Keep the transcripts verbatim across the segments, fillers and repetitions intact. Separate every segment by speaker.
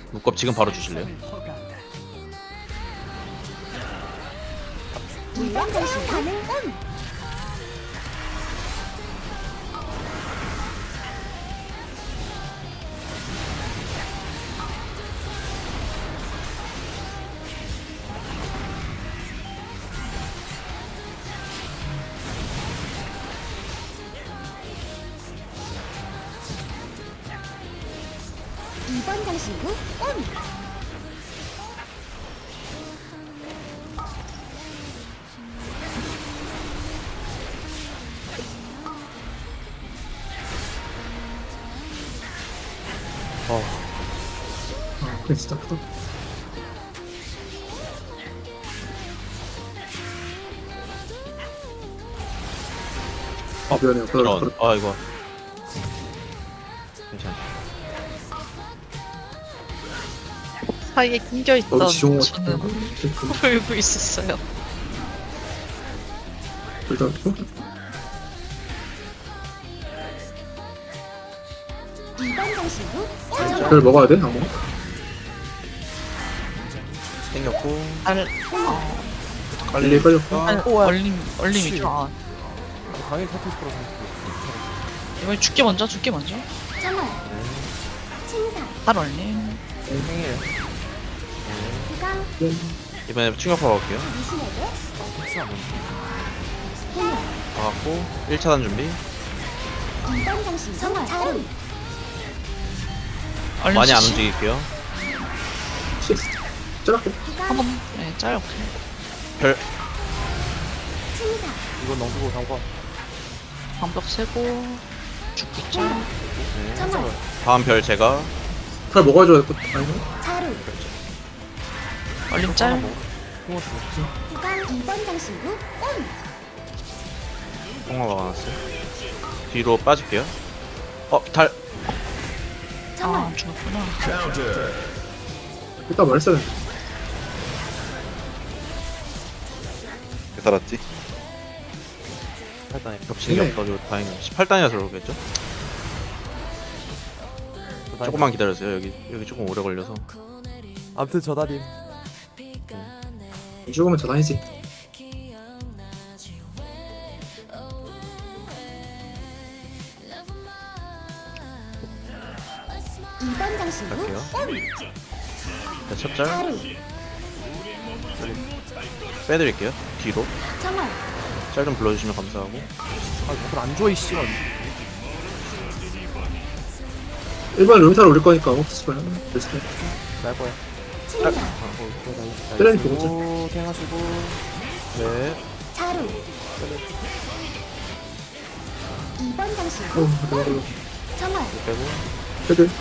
Speaker 1: 묶업 지금 바로 주실래요?
Speaker 2: 물건 사용 가능 온. 이 번 장신구 온.
Speaker 3: 아, 그래 진짜 크다. 아 미안해요. 그래,
Speaker 1: 이런.
Speaker 3: 그래.
Speaker 1: 아 이거 괜찮아.
Speaker 4: 사이에 낑겨있던
Speaker 3: 어, 지용
Speaker 4: 저는
Speaker 3: 같은
Speaker 4: 울고 있었어요.
Speaker 3: 일단
Speaker 2: 이 번 장신구
Speaker 3: 별 먹어야 돼? 아무.
Speaker 1: 생겼고
Speaker 4: 알,
Speaker 3: 빨리 빨렸고.
Speaker 4: 알,
Speaker 5: 오, 야.
Speaker 4: 얼림, 얼림이죠. 아,
Speaker 5: 당연히 터트릴 거라서.
Speaker 4: 이번에 죽게 먼저, 죽게 먼저.
Speaker 2: 정월 침사
Speaker 4: 알 얼림.
Speaker 5: 생일.
Speaker 2: 구강
Speaker 1: 이번에 충격파 갈게요.
Speaker 2: 당신에게
Speaker 5: 텍스하면.
Speaker 2: 해녀
Speaker 1: 가갖고 일 차단 준비.
Speaker 2: 이 번 장신구 정월 자루
Speaker 4: 얼림
Speaker 1: 많이 안
Speaker 4: 씨씨.
Speaker 1: 움직일게요.
Speaker 3: 시스. 쩌라고.
Speaker 2: 구강
Speaker 4: 한번 네, 짧게.
Speaker 1: 별
Speaker 2: 침사
Speaker 5: 이건 넘기고 담가.
Speaker 4: 방벽 세고 죽기 짤.
Speaker 1: 네.
Speaker 2: 정월
Speaker 1: 다음 별 제가
Speaker 3: 별 먹어줘야 될 것. 아니요.
Speaker 2: 자루
Speaker 4: 얼림 짤.
Speaker 5: 핑어 주고.
Speaker 2: 구강 이 번 장신구 온.
Speaker 1: 똥마 막아놨어요. 뒤로 빠질게요. 어 달.
Speaker 2: 정월
Speaker 4: 아, 죽었구나.
Speaker 3: 일단 말했어야 돼.
Speaker 6: 살았지?
Speaker 1: 팔 단이 겹치는 게
Speaker 3: 네.
Speaker 1: 없어가지고 다행이에요. 십팔 단이라서 그러겠죠? 조금만 기다려주세요. 여기 여기 조금 오래 걸려서.
Speaker 5: 아무튼 저 다림.
Speaker 3: 죽으면 저 다니지.
Speaker 2: 이 번 장신구
Speaker 1: 갈게요.
Speaker 2: 온.
Speaker 1: 자, 첫 짤
Speaker 2: 자루
Speaker 1: 빼드릴게요. 뒤로
Speaker 2: 정월
Speaker 1: 짤 좀 불러주시면 감사하고.
Speaker 5: 아, 이걸 안 줘, 이씨발.
Speaker 3: 일반 룸타로 올릴 거니까 없을 거야. 됐을 거야.
Speaker 5: 날 거야.
Speaker 2: 침사
Speaker 3: 때려니 보고
Speaker 5: 오, 탱하시고.
Speaker 1: 네.
Speaker 2: 자루 이 번 장신구
Speaker 3: 어, 그래, 그래.
Speaker 2: 정월
Speaker 1: 빼고
Speaker 3: 헤드.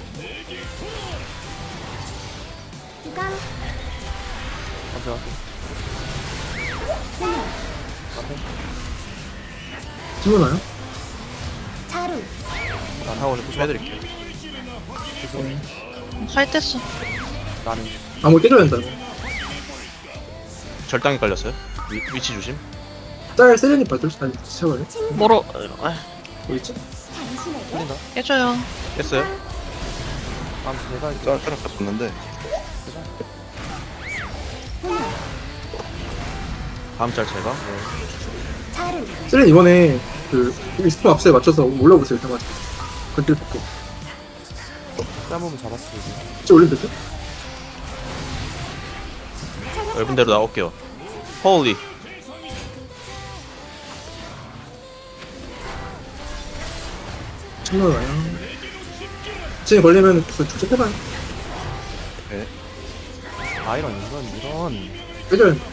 Speaker 2: 구강
Speaker 5: 감사할게.
Speaker 2: 해녀
Speaker 3: 찍어놔요?
Speaker 2: 자루
Speaker 1: 하고 좀 빼드릴게요.
Speaker 4: 할 뗐어.
Speaker 5: 나는.
Speaker 3: 아무 깨져야 된다.
Speaker 1: 절당이 깔렸어요. 위, 위치 조심.
Speaker 3: 짤 세련이 받을 수 아니 채워요?
Speaker 4: 뭐로, 아,
Speaker 3: 어디 있지?
Speaker 2: 당신에게
Speaker 5: 틀린다.
Speaker 4: 깨져요.
Speaker 1: 깼어요.
Speaker 5: 아무튼 내가 이제.
Speaker 6: 짤 짤 갔었는데
Speaker 2: 해녀
Speaker 1: 다음 짤 제가.
Speaker 2: 자루
Speaker 3: 세련 이번에 그 스포 압수에 맞춰서 올라오세요. 일단 맞아. 건들 받고.
Speaker 5: 짬으면 잡았어, 이제.
Speaker 3: 진짜 올리면 되죠?
Speaker 1: 넓은 대로 나올게요. 홀리.
Speaker 3: 정말 와요. 지금 걸리면 그 축제 해봐요.
Speaker 5: 아, 이런, 이런, 이런.
Speaker 3: 깨져야 돼.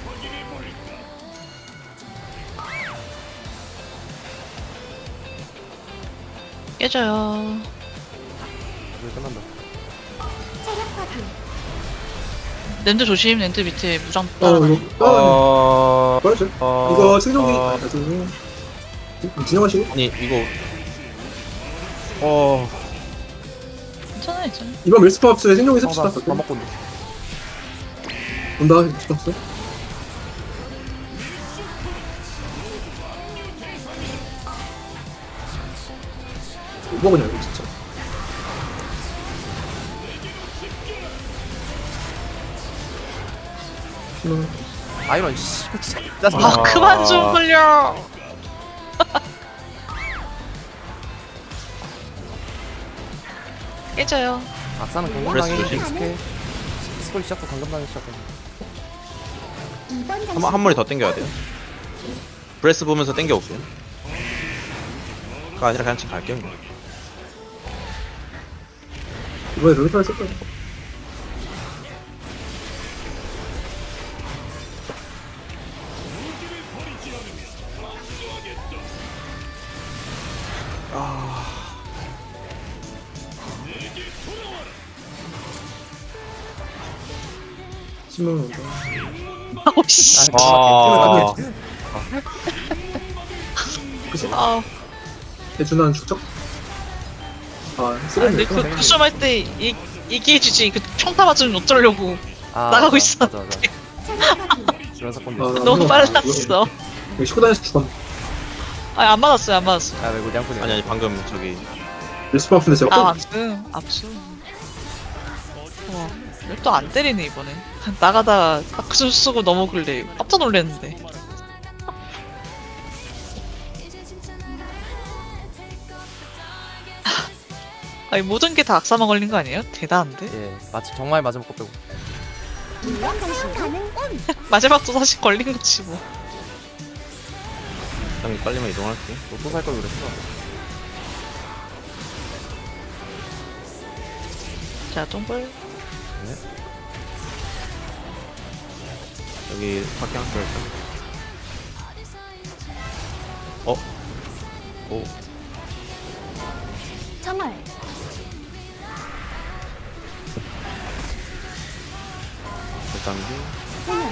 Speaker 4: 깨져요.
Speaker 5: 이제 끝난다.
Speaker 2: 체력 파괴
Speaker 4: 랜드 조심, 랜드 밑에 무장
Speaker 3: 어
Speaker 4: 따라가.
Speaker 3: 이거 아
Speaker 1: 어.
Speaker 3: 빠르죠?
Speaker 1: 어.
Speaker 3: 이거 생존기
Speaker 1: 어.
Speaker 3: 아, 나중에 진정하시고
Speaker 1: 아니 이거. 어.
Speaker 4: 괜찮아, 괜찮아.
Speaker 3: 이번 밀스포 압수에 생존기
Speaker 5: 어,
Speaker 3: 씁시다.
Speaker 5: 나, 다 먹고 온다.
Speaker 3: 온다. 밀스포 압수. 뭐 먹으냐 이거 진짜. 신호.
Speaker 5: 아이런 씨 진짜 짜증나.
Speaker 4: 아 그만 좀 걸려. 깨져요.
Speaker 5: 악사는
Speaker 1: 브레스
Speaker 5: 강금당해.
Speaker 1: 조심.
Speaker 5: 익숙해. 스콜 시작도 강금당해 시작해.
Speaker 2: 이번
Speaker 1: 한,
Speaker 2: 장신
Speaker 1: 한 머리 더 땡겨야 돼요. 브레스 보면서 땡겨올게요. 그가 아니라 그냥 지금 갈게요. 그냥.
Speaker 3: 이번에 롤리타 했을 거야. 신호 온다.
Speaker 4: 아우 씨.
Speaker 1: 아,
Speaker 3: 그치?
Speaker 4: 아
Speaker 3: 대준한 축적? 아,
Speaker 4: 아니
Speaker 3: 쓰레기.
Speaker 4: 그 쿠션 할때 얘기해주지. 그 평타 맞으면 어쩌려고.
Speaker 5: 아,
Speaker 4: 나가고
Speaker 5: 맞아,
Speaker 4: 있어.
Speaker 5: 맞아, 맞아.
Speaker 2: 체력파괴
Speaker 5: 이런 사건도
Speaker 3: 아,
Speaker 5: 있어.
Speaker 4: 너무
Speaker 3: 아,
Speaker 4: 빨랐어.
Speaker 3: 식구 다녀서 죽었네.
Speaker 4: 아니 안 맞았어요 안 맞았어요.
Speaker 5: 야, 왜 고장분이야?
Speaker 1: 아니 아니 방금 저기
Speaker 3: 밀수파 아픈데 제가
Speaker 4: 아 압수 압수. 와 또 안 때리네 이번에. 나가다가 박수 쓰고 넘어글래. 깜짝 놀랐는데. 아니 모든 게 다 악사만 걸린 거 아니에요? 대단한데?
Speaker 5: 예, 마치 정말 마지막 거 빼고.
Speaker 2: 이번 장신 가능 온
Speaker 4: 마지막도 사실 걸린 거지 뭐.
Speaker 1: 일단 빨리만 이동할게.
Speaker 5: 로또 살 걸 그랬어.
Speaker 4: 자 똥벌.
Speaker 1: 여기 밖에 한개 할까? 어? 오,
Speaker 2: 정월
Speaker 1: 일단기.
Speaker 2: 소멸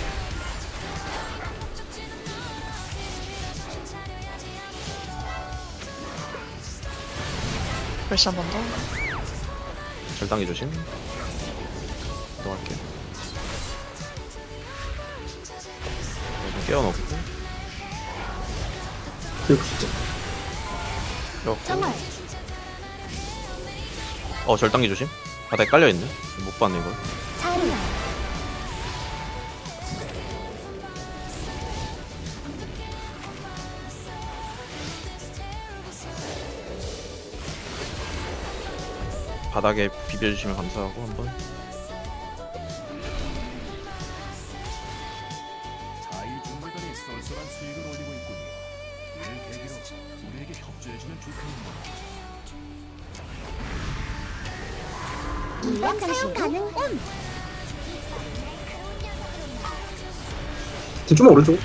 Speaker 4: 벌써 한 번 더.
Speaker 1: 절단기 조심. 이동할게. 여기 깨워놓고.
Speaker 3: 그리고 진짜.
Speaker 1: 이렇게.
Speaker 2: 정월
Speaker 1: 어, 절단기 조심. 바닥에 깔려있네. 못 봤네, 이걸.
Speaker 2: 자루
Speaker 1: 바닥에 비벼주시면 감사하고, 한번.
Speaker 6: 자유중매단이 쏠쏠한 수익을 올리고 있군요. 이를 계기로 우리에게 협조해주면 좋겠는데.
Speaker 2: 이번 장신 가능 온
Speaker 3: 지금 좀만 오른쪽.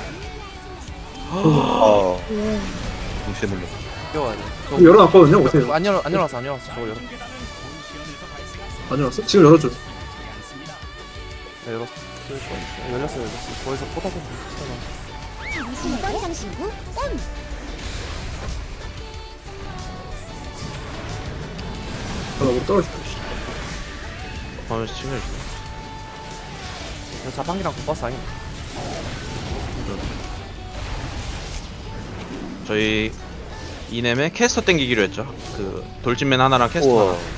Speaker 1: 어. 동시에 물려.
Speaker 5: 뛰어와야 돼.
Speaker 3: 이거 열어놨거든요. 오세요.
Speaker 5: 안 열어, 안 열어놨어, 안 열어놨어. 저거 열어.
Speaker 3: 안 열었어? 지금 열어줘.
Speaker 5: 네, 열었어. 어, 열렸어, 열렸어. 거기서 포탑 좀 붙여놔.
Speaker 2: 이번 장신구 온
Speaker 3: 아, 나못 떨어졌다.
Speaker 1: 하면서 친해줘.
Speaker 5: 이거 자판기랑 국버스 아니야?
Speaker 1: 저희 이넴에 캐스터 땡기기로 했죠. 그 돌진맨 하나랑 캐스터 하나.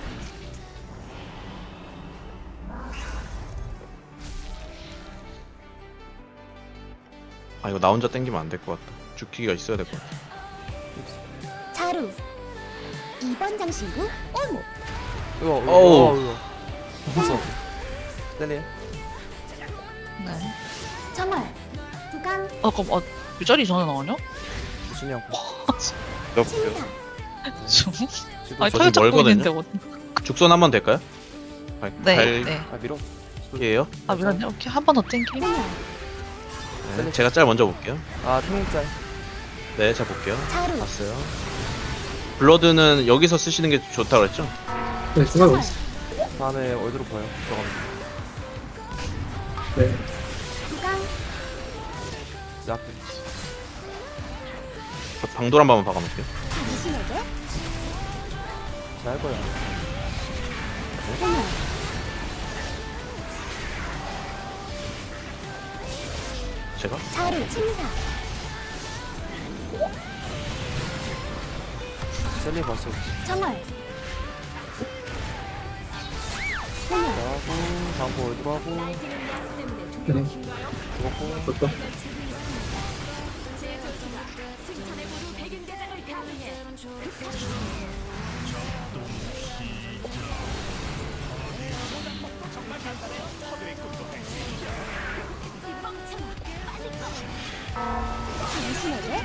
Speaker 1: 아 이거 나 혼자 땡기면 안 될 것 같다. 죽기가 있어야 될 것 같아.
Speaker 2: 자루 이번 장신구 온
Speaker 5: 이거, 이거,
Speaker 1: 어우.
Speaker 5: 이거, 이거. 무서워. 셀리.
Speaker 4: 네.
Speaker 2: 정월 두강
Speaker 4: 어 그럼 어 유절이 전에 나오냐?
Speaker 5: 주신이 형.
Speaker 2: 침사
Speaker 4: 좀.
Speaker 5: 지금
Speaker 4: 아니
Speaker 1: 저
Speaker 4: 털
Speaker 1: 지금
Speaker 4: 잡고
Speaker 1: 멀거든요?
Speaker 4: 있는데 뭐.
Speaker 1: 죽선 한번 될까요? 갈,
Speaker 4: 네. 네.
Speaker 5: 아, 밀어.
Speaker 1: 갈게요.
Speaker 4: 아 미안해. 오케이 한 번 더 땡기.
Speaker 2: 소멸
Speaker 1: 네, 제가 짤 먼저 볼게요.
Speaker 5: 아, 태민짤.
Speaker 1: 네, 제가 볼게요.
Speaker 2: 자루
Speaker 1: 봤어요. 블러드는 여기서 쓰시는 게 좋다고 그랬죠?
Speaker 3: 네, 중간에 어딨어.
Speaker 5: 다음에 얼드로 보여. 들어가면.
Speaker 3: 네.
Speaker 2: 두강
Speaker 5: 내 앞에.
Speaker 1: 저 방돌 한 번만 박아놓을게요.
Speaker 2: 당신에게
Speaker 5: 잘할 거야.
Speaker 2: 소멸
Speaker 1: 제가?
Speaker 2: 자루 침사
Speaker 5: 셀리 봤어.
Speaker 2: 정월 소녀
Speaker 5: 하고 다음 거 얼굴 하고
Speaker 3: 네.
Speaker 5: 죽었고
Speaker 3: 됐다.
Speaker 2: 당신에게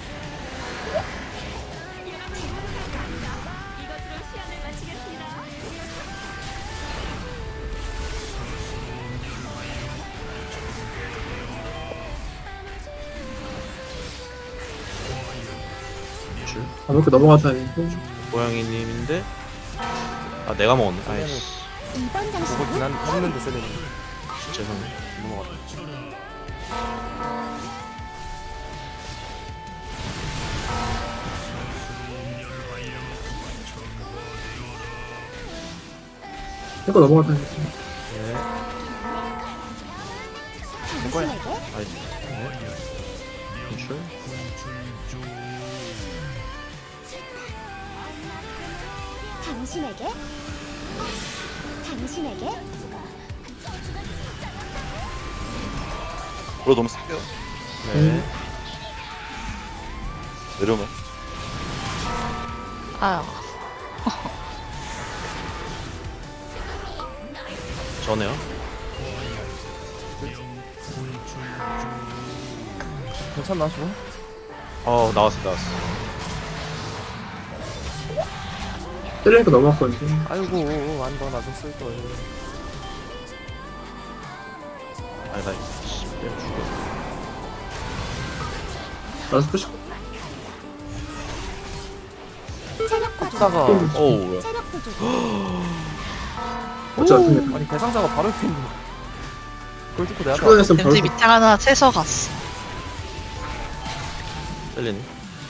Speaker 1: 줄
Speaker 3: 아무렇게 넘어가다니.
Speaker 1: 고양이님인데 아 내가 먹었네. 아이씨
Speaker 2: 이번
Speaker 5: 보고
Speaker 2: 장식은
Speaker 5: 지난 했는데 셀레는
Speaker 1: 죄송해.
Speaker 5: 넘어갔다.
Speaker 3: 이거 넘어가다니.
Speaker 1: 네.
Speaker 2: 당신에게
Speaker 1: 아이씨. 네. 줄
Speaker 2: 당신에게 당신에게
Speaker 7: 물어 너무 쓸게요.
Speaker 1: 네.
Speaker 7: 내려오면.
Speaker 4: 아유.
Speaker 1: 전에요.
Speaker 5: 괜찮나 지금?
Speaker 1: 어 나왔어 나왔어.
Speaker 3: 때리니까 넘어갔거든요.
Speaker 5: 아이고 안더 나좀 쓸 거예요.
Speaker 1: 아니 나 씨, 내가 죽여.
Speaker 3: 알아서 푸시.
Speaker 2: 체력 부족
Speaker 5: 하다가
Speaker 1: 어우 뭐야.
Speaker 2: 체력 부족
Speaker 3: 어쩌다
Speaker 5: 아니 대상자가 바로 옆에 있는. 그걸 듣고 내가 다
Speaker 3: 출근했으면 바로
Speaker 4: 왠지 밑에 하나 채서 갔어.
Speaker 1: 셀리님.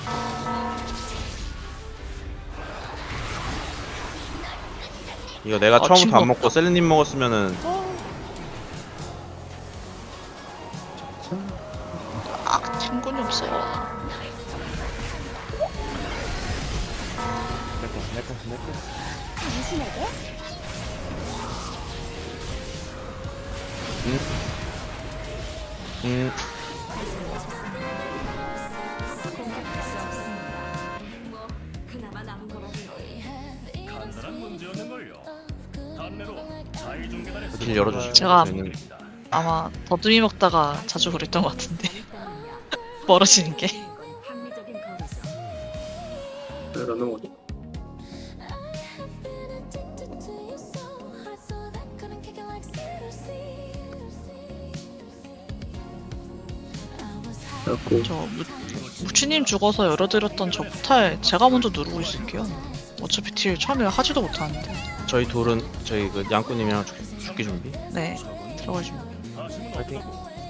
Speaker 1: 이거 내가
Speaker 4: 아,
Speaker 1: 처음부터
Speaker 4: 친구
Speaker 1: 안 먹고 셀리님 먹었으면은
Speaker 4: 아, 친구는 없어.
Speaker 5: 내꺼 내꺼 내꺼.
Speaker 2: 당신에게
Speaker 1: 음
Speaker 6: 간단한 문제였는걸요. 단내로 자의중계단에
Speaker 1: 길 열어주시고.
Speaker 4: 제가
Speaker 1: 저희는
Speaker 4: 아마 더듬이 먹다가 자주 그랬던 것 같은데. 멀어지는 게.
Speaker 3: 네, 안 넘어가죠. 그래갖고
Speaker 4: 저 무, 무치님 죽어서 열어드렸던 저 포탈 제가 먼저 누르고 있을게요. 어차피 딜 처음에 하지도 못하는데.
Speaker 1: 저희 둘은 저희 그 양꾼님이랑 죽, 죽기 준비.
Speaker 4: 네, 들어가시면.
Speaker 5: 파이팅.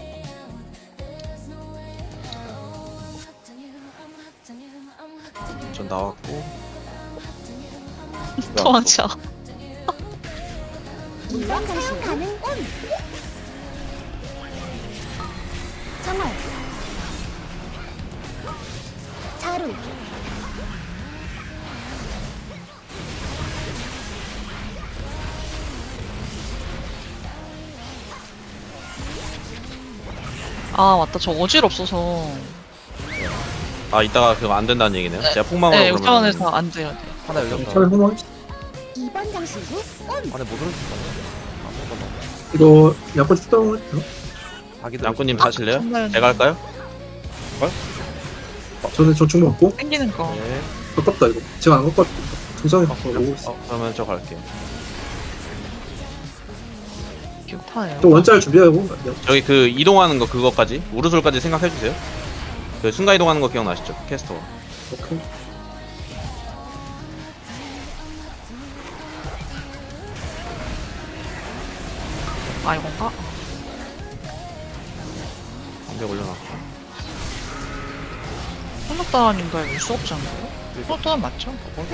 Speaker 1: 전 나왔고.
Speaker 4: 도망쳐.
Speaker 2: 이번 장식 가는 온 정월 자루
Speaker 4: 아 맞다, 저 어질 없어서.
Speaker 1: 아 이따가 그거 안 된다는 얘기네요. 제가 폭망으로
Speaker 4: 네,
Speaker 1: 그러면
Speaker 4: 육차원에서 안 돼요. 네.
Speaker 5: 하나 열렸다.
Speaker 3: 차라리 호망.
Speaker 2: 이번 장식은 온
Speaker 5: 안에 못 들을 수 있다. 아무거나.
Speaker 3: 이거 약간 출동을 했죠?
Speaker 5: 자기들
Speaker 1: 양꾼님 사실래요?
Speaker 4: 정말
Speaker 1: 제가 할까요?
Speaker 3: 저는 저축 먹고
Speaker 4: 땡기는 거.
Speaker 1: 네.
Speaker 3: 아깝다 이거. 제가 안 갖고 중상에 갖고 오고 있어.
Speaker 1: 어, 그러면 저 갈게요.
Speaker 4: 기억하네요.
Speaker 3: 저 원자를 준비하고
Speaker 1: 저기 그 이동하는 거 그거까지 우르솔까지 생각해 주세요. 그 순간 이동하는 거 기억나시죠? 캐스터.
Speaker 3: 오케이.
Speaker 4: 아 이건가?
Speaker 1: 방벽 올려놨고.
Speaker 4: 혼납다라님가에 올 수 없지 않나요? 혼납다란 맞죠?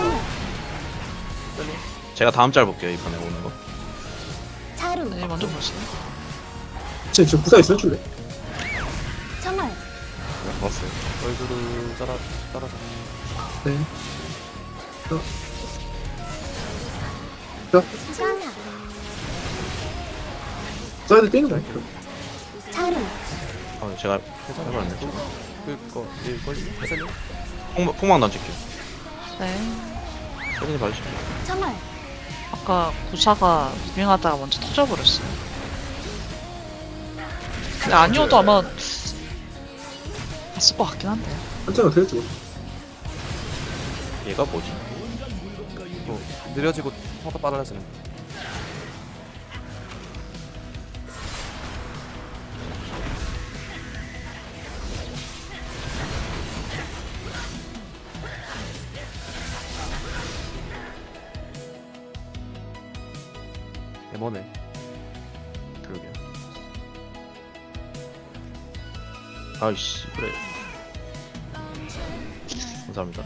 Speaker 1: 제가 다음 짤 볼게요 이번에 오는 거.
Speaker 2: 자루
Speaker 4: 네, 먼저 보세요.
Speaker 3: 쟤 지금 구사 있어 줄래?
Speaker 2: 정월
Speaker 1: 봤어요.
Speaker 5: 얼굴을 따라 따라서.
Speaker 3: 네.
Speaker 2: 주간사
Speaker 3: 사이드 뛰는 거야. 그럼.
Speaker 2: 자루.
Speaker 1: 아 제가 해버렸네.
Speaker 5: 그거 일걸 회사님
Speaker 1: 폭, 폭망 던질게요.
Speaker 4: 네.
Speaker 1: 세린이 봐주실게요.
Speaker 2: 정월.
Speaker 4: 아까 구사가 무빙하다가 먼저 터져버렸어요. 근데 아니어도 아마 봤을 것 같긴 한데.
Speaker 3: 한자가 되겠지 뭐.
Speaker 1: 얘가 뭐지?
Speaker 5: 뭐 느려지고 속도 빨라지는 거. 에머네.
Speaker 1: 그러게요. 아이씨 그래. 감사합니다.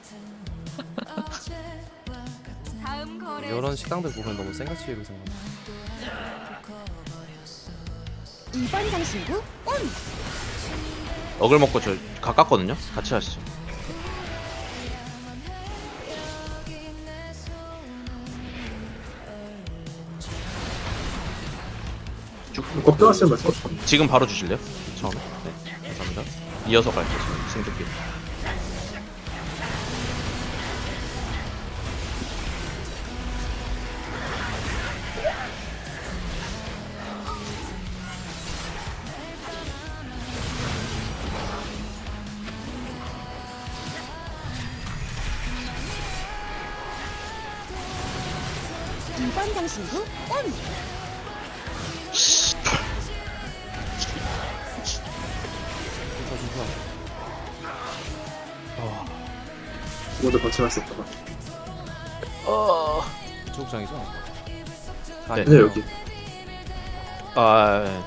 Speaker 5: 이런 식당들 보면 너무 생가치로 생각.
Speaker 2: 이 번 장신구 온.
Speaker 1: 억을 먹고 저 가깝거든요. 같이 하시죠.
Speaker 3: 걱정하시는 말씀.
Speaker 1: 지금 바로 주실래요? 처음에. 네. 감사합니다. 이어서 갈게요. 승득기.
Speaker 2: 이 번 장신구 온.
Speaker 3: 모두 거쳐갈 수 없다가.
Speaker 5: 조국장이죠?
Speaker 1: 네.
Speaker 3: 네 여기.
Speaker 1: 아 예.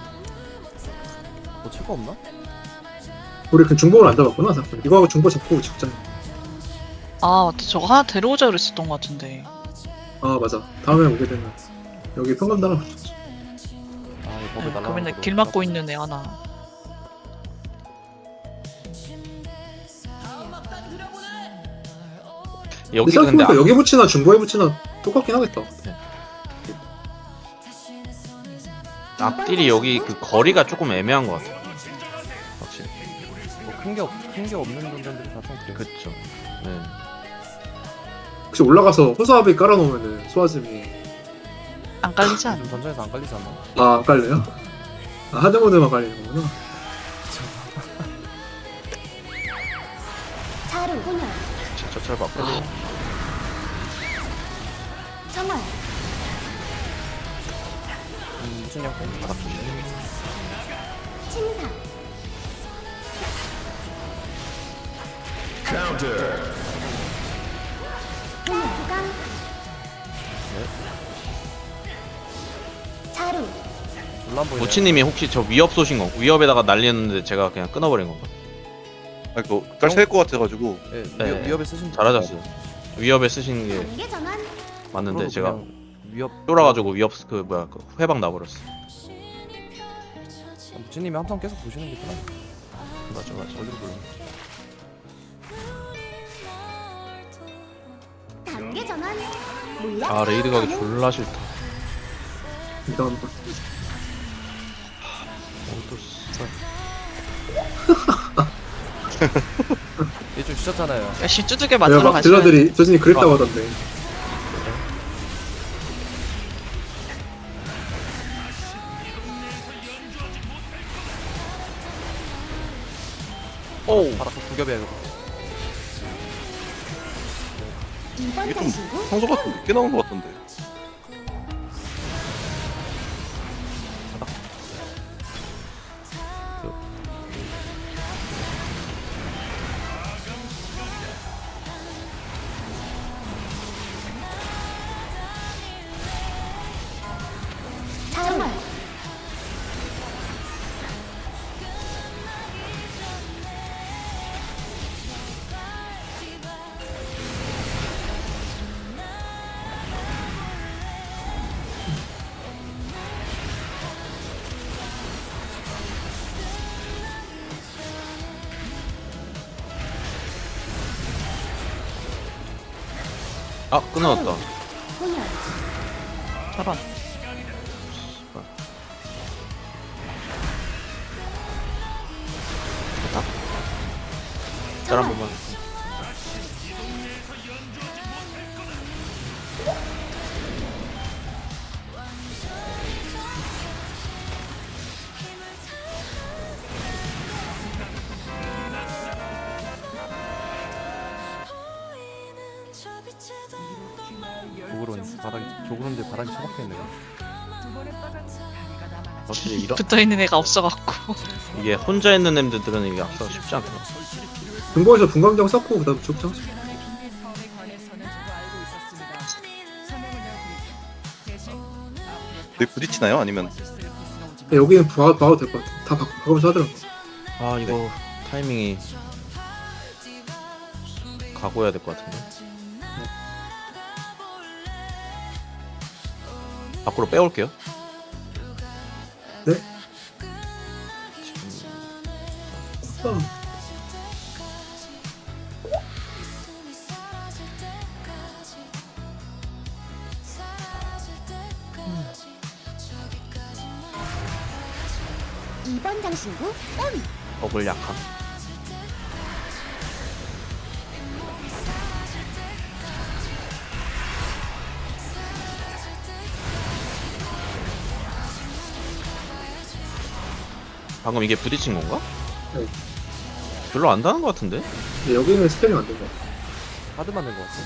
Speaker 5: 뭐 칠거 없나?
Speaker 3: 우리 그 중복을 안 잡았구나. 잠깐. 이거 하고 중복 잡고 직전.
Speaker 4: 아 맞다. 저거 하나 데려오자 그랬었던 것 같은데.
Speaker 3: 아 맞아. 다음에 오게 되면 여기 평감 달아.
Speaker 5: 아 이거 법을
Speaker 4: 네,
Speaker 5: 날라.
Speaker 4: 그러면 길 막고 있는 애 하나.
Speaker 1: 여기
Speaker 3: 근데
Speaker 1: 근데
Speaker 3: 생각해보니까
Speaker 1: 아,
Speaker 3: 여기 붙이나 중복에 붙이나 똑같긴 하겠다.
Speaker 1: 앞딜이 여기 그 거리가 조금 애매한 것 같아요. 확실히.
Speaker 5: 뭐큰게 없, 큰게 없는 분들이 다 좀 그래.
Speaker 1: 그쵸. 네.
Speaker 3: 혹시 올라가서 호수아비 깔아놓으면은 소아즘이
Speaker 4: 안 깔리지 않나?
Speaker 5: 전전에서 안 깔리지 않나?
Speaker 3: 아 안 깔려요? 아 하드모드만 깔리는 거구나.
Speaker 2: 자루 혼혈.
Speaker 1: 진짜 잘 바꿔.
Speaker 2: 정월.
Speaker 5: 음, 무슨 양품?
Speaker 1: 바닥 조심.
Speaker 2: 침사. 혼혈 후강. 자루.
Speaker 5: 졸라 안 보이네.
Speaker 1: 모치님이 혹시 저 위협 쏘신 거 위협에다가 날리는데 제가 그냥 끊어버린 건가?
Speaker 7: 아니 그거 깔찰 것 같아가지고
Speaker 5: 예,
Speaker 1: 네.
Speaker 5: 위협, 위협에 쓰신 분.
Speaker 1: 잘하셨어요. 위협에 쓰신 게
Speaker 2: 단계 전환.
Speaker 1: 맞는데
Speaker 5: 그러고
Speaker 1: 제가
Speaker 5: 그냥 위협
Speaker 1: 쫄아가지고 위협 그 뭐야 그 회방 나버렸어.
Speaker 5: 무진님이 항상 계속 보시는 게 편해.
Speaker 1: 맞아 맞아.
Speaker 5: 어디로 불러?
Speaker 2: 단계 전환. 물약
Speaker 1: 아 레이드 가기
Speaker 2: 사용 가능.
Speaker 1: 졸라 싫다.
Speaker 3: 이런 거.
Speaker 1: 어또 씨발.
Speaker 5: 얘좀 주셨잖아요.
Speaker 4: 열심히 두들겨
Speaker 3: 내가
Speaker 4: 맞으러
Speaker 3: 막
Speaker 4: 가시면
Speaker 3: 딜러들이 조진이 그랬다고 하던데.
Speaker 1: 오.
Speaker 5: 바닥 두 겹이야 이거.
Speaker 2: 이 번
Speaker 7: 이게 좀
Speaker 2: 장신구
Speaker 7: 평소 같은 늦게 나온 것 같던데.
Speaker 2: 정월.
Speaker 1: 아 끊어졌다.
Speaker 2: 혼혈.
Speaker 4: 저런.
Speaker 1: 짤 한 번만.
Speaker 5: 조그론 바닥이 조그론데 바닥이 처박혀 있네요.
Speaker 1: 확실히 이런
Speaker 4: 붙어있는 애가 없어갖고.
Speaker 1: 이게 혼자 있는 엠들은 이게 악사가 쉽지 않더라.
Speaker 3: 금고에서 분광장 쌓고 그다음 죽장.
Speaker 7: 왜 부딪히나요? 아니면
Speaker 3: 네, 여기는 봐, 봐도 될 것 같아. 다 바, 바꾸면서 하더라고.
Speaker 1: 아 이거 타이밍이 각오해야 될 것 같은데. 밖으로 빼올게요.
Speaker 3: 네. 아,
Speaker 2: 이 번 장신구 온.
Speaker 1: 버블 약함. 방금 이게 부딪힌 건가?
Speaker 3: 네.
Speaker 1: 별로 안 닿은 것 같은데?
Speaker 3: 네, 여기는 스펠이 안 된 것 같아.
Speaker 5: 하드 맞는 것 같아.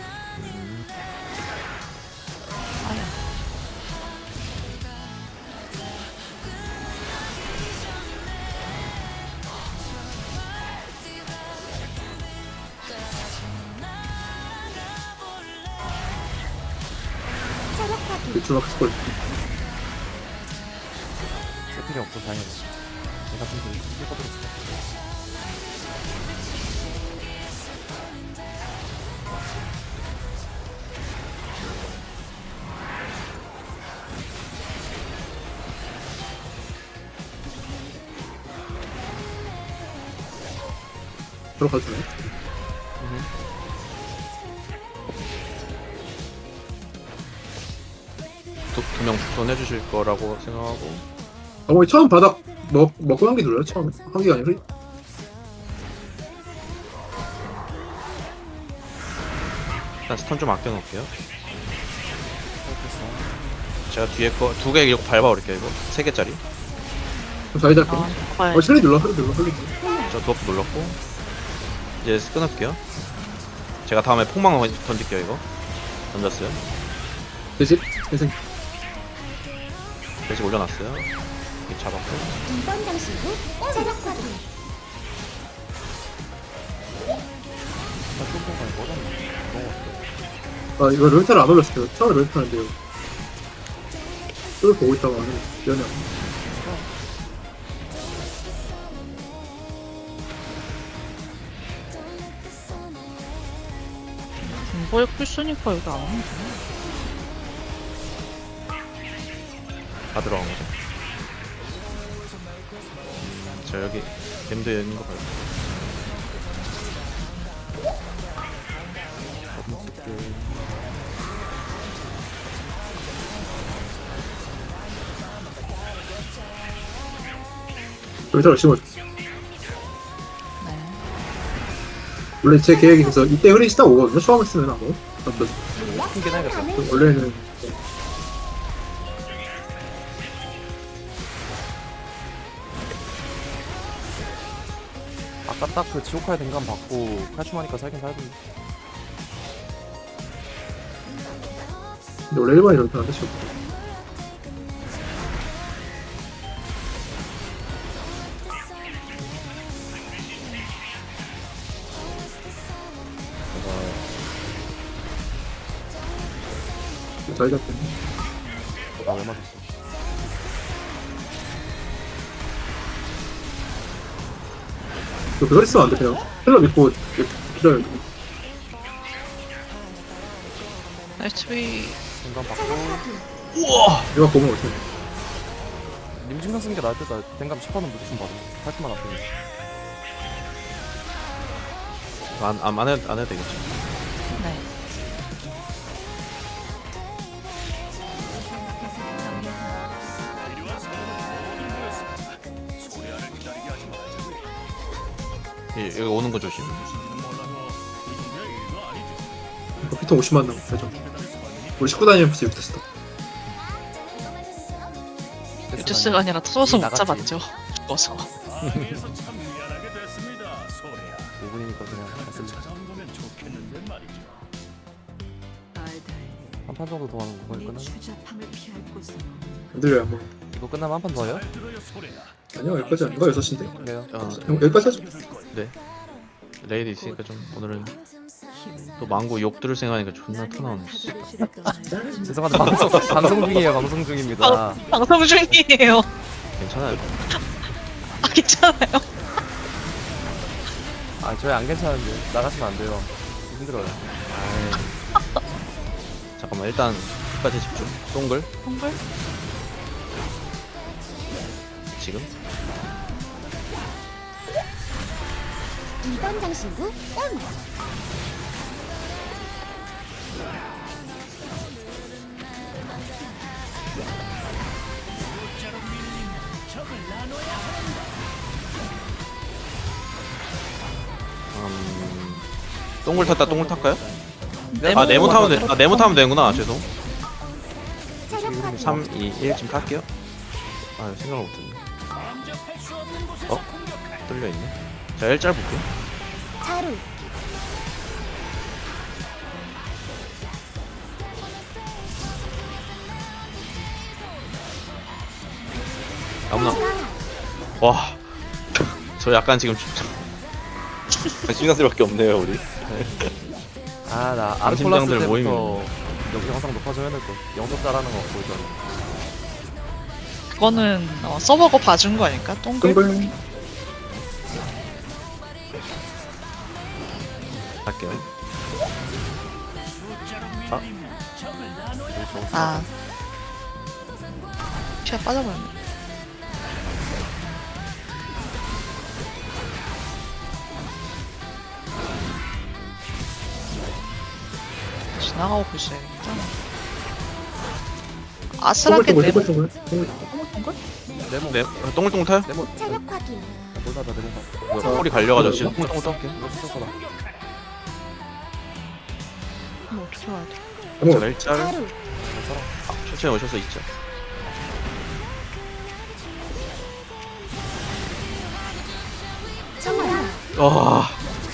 Speaker 2: 체력파기.
Speaker 3: 유출막 스콜.
Speaker 5: 세팅이 없어 다행이네. 내가 좀 삐꺼들었어.
Speaker 3: 들어가도 되나요?
Speaker 1: 두명 추천해주실 거라고 생각하고.
Speaker 3: 어머니 처음 바닥 먹, 먹고 한 개 눌러요? 처음에? 한 개가 아니라?
Speaker 1: 일단 스턴 좀 아껴 놓을게요. 제가 뒤에 거 두 개 이렇게 밟아버릴게요. 이거 세 개짜리.
Speaker 3: 좀 사이다 할게요.
Speaker 4: 아,
Speaker 3: 어, 슬리 눌러, 슬리 눌러, 슬리.
Speaker 1: 저 드워프 눌렀고 이제 끊을게요. 제가 다음에 폭망 던질게요. 이거 던졌어요.
Speaker 3: 대신, 대신.
Speaker 1: 대신 올려놨어요. 이렇게 잡았고.
Speaker 2: 이 번 장신구 온. 체력파기.
Speaker 3: 아, 이거 롤타를 안 올렸어요. 처음에 롤타는데요. 이걸 보고 있다가 하는 미안해.
Speaker 4: 공부에 풀쓰니까 여기 안 오는데.
Speaker 1: 다 들어간 거죠. 자 여기 댐드 있는 거 봐요.
Speaker 3: 롤타를 심어줘.
Speaker 4: 네.
Speaker 3: 원래 제 계획이 있어서 이때 흐린 시다 오거든요. 처음 했으면 아무. 어떤,
Speaker 5: 튕긴 해야겠다.
Speaker 3: 원래는.
Speaker 5: 아까 딱 그 지옥화의 댕감 받고 칼춤하니까 살긴 살던데.
Speaker 3: 근데 원래 일반이 롤타인데, 지금. 잘 잡겠네.
Speaker 5: 나왜 맞았어?
Speaker 3: 이거 그걸 했으면 안 돼, 그냥. 힐러 믿고 기다려.
Speaker 4: 나이스 비.
Speaker 5: 댕감 받고
Speaker 1: 우와.
Speaker 3: 내가 보면 어떡해.
Speaker 5: 님증상 쓰는 게 나을 때다. 댕감 십 번은 무조건 받아. 팔뚝만 앞에.
Speaker 1: 안, 안, 안, 해도, 안 해도 되겠죠.
Speaker 4: 네.
Speaker 1: 예, 여기 오는 거 조심.
Speaker 3: 피통 오십만 남았죠. 우리 십구 단위는 벌써 이렇게 됐어.
Speaker 4: 유튜스가 아니라 터져서 못
Speaker 5: 나갔지.
Speaker 4: 잡았죠. 죽어서.
Speaker 6: 방해해서 참 미안하게 됐습니다. 소리야.
Speaker 5: 오 분이니까 그냥
Speaker 6: 저 정도면 좋겠는데 말이죠.
Speaker 5: 한 판 정도 더 하는 거일 거나?
Speaker 3: 안 들려요 뭐.
Speaker 5: 이거 끝나면 한 판 더 해요?
Speaker 6: 잘 들어요 소리야.
Speaker 3: 아니요 여기까지 아닌가? 여섯 시인데?
Speaker 5: 그래요.
Speaker 1: 어,
Speaker 3: 형 여기까지 하죠.
Speaker 1: 레이드 있으니까 좀 오늘은 또 망고 욕 들을 생각하니까 존나 터나오네. 씨.
Speaker 5: 죄송한데 방송 방송 중이에요. 방송 중입니다.
Speaker 4: 방송 중이에요.
Speaker 1: 괜찮아요.
Speaker 4: 아 괜찮아요.
Speaker 5: 아 저희 안 괜찮은데 나가시면 안 돼요. 힘들어요.
Speaker 1: 아이. 잠깐만 일단 끝까지 집중. 동글
Speaker 4: 동글?
Speaker 1: 지금.
Speaker 2: 이 번 장신구 온.
Speaker 1: 음, 동글 탔다. 동글 탈까요?
Speaker 4: 네모
Speaker 1: 아 네모 타면 돼. 아 네모 타면 되는구나. 죄송.
Speaker 2: 체력 확인.
Speaker 1: 삼, 이, 일 지금 탈게요. 아 생각을 못했네. 어? 뚫려 있네. 자 일짤 볼게요.
Speaker 2: 자루.
Speaker 1: 아무나.
Speaker 2: 자가.
Speaker 1: 와. 저 약간 지금
Speaker 7: 신간슬밖에 없네요 우리.
Speaker 5: 아나
Speaker 1: 방심장들
Speaker 5: 아르콜라스 때부터
Speaker 1: 모이면.
Speaker 5: 여기 영상 높아져야 될 거. 영접 잘하는 거 보이잖아.
Speaker 4: 그거는 어, 서버가 봐준 거 아닐까? 동글?
Speaker 3: 동글.
Speaker 1: 할게요.
Speaker 4: 아. 피가 빠져버렸네. 지나가고 보셔야겠다. 아슬하게
Speaker 3: 동글
Speaker 4: 네모
Speaker 3: 동글 동글.
Speaker 4: 동글?
Speaker 5: 네모
Speaker 1: 네, 어, 동글동글 타요?
Speaker 5: 네모
Speaker 2: 체력 확인.
Speaker 5: 몰라다 네모.
Speaker 1: 뭐야, 콜이 갈려가지고 지금.
Speaker 5: 똥똥 똥게 이거 썼어 나.
Speaker 4: 이거 어떻게 와야 돼?
Speaker 3: 어머.
Speaker 1: 제가 일짤
Speaker 2: 자루.
Speaker 1: 천천히 오셔서 있죠.
Speaker 2: 청아.
Speaker 1: 와.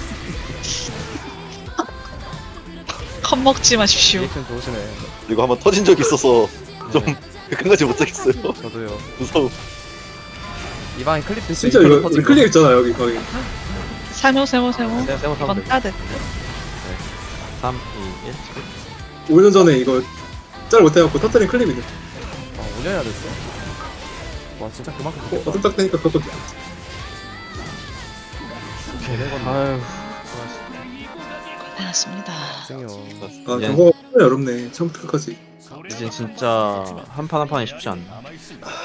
Speaker 4: 겁먹지 마십시오.
Speaker 5: 리액션 좋으시네.
Speaker 7: 이거 한번 터진 적이 있어서 좀 끝까지 못하겠어요.
Speaker 5: 저도요.
Speaker 7: 무서워.
Speaker 5: 이 방에 클립 됐어.
Speaker 3: 진짜 이거 우리 클릭 있잖아 여기 거기.
Speaker 4: 세모 세모 세모.
Speaker 1: 세, 세모 타면
Speaker 4: 이건
Speaker 1: 되고.
Speaker 4: 따야 돼.
Speaker 1: 삼, 이, 일.
Speaker 3: 오 년 전에 이거 짤 못해갖고 터뜨린 클립 있네.
Speaker 5: 아 오 년이나 됐어. 와 진짜 그만큼
Speaker 3: 어,
Speaker 5: 좋겠다.
Speaker 3: 어둠 딱 되니까 그것도
Speaker 1: 아유.
Speaker 4: 고생하셨습니다.
Speaker 5: 생겨.
Speaker 3: 아
Speaker 1: 이제-
Speaker 3: 저거 정말 어렵네 처음부터 끝까지.
Speaker 1: 이젠 진짜 한 판 한 판이 쉽지 않네.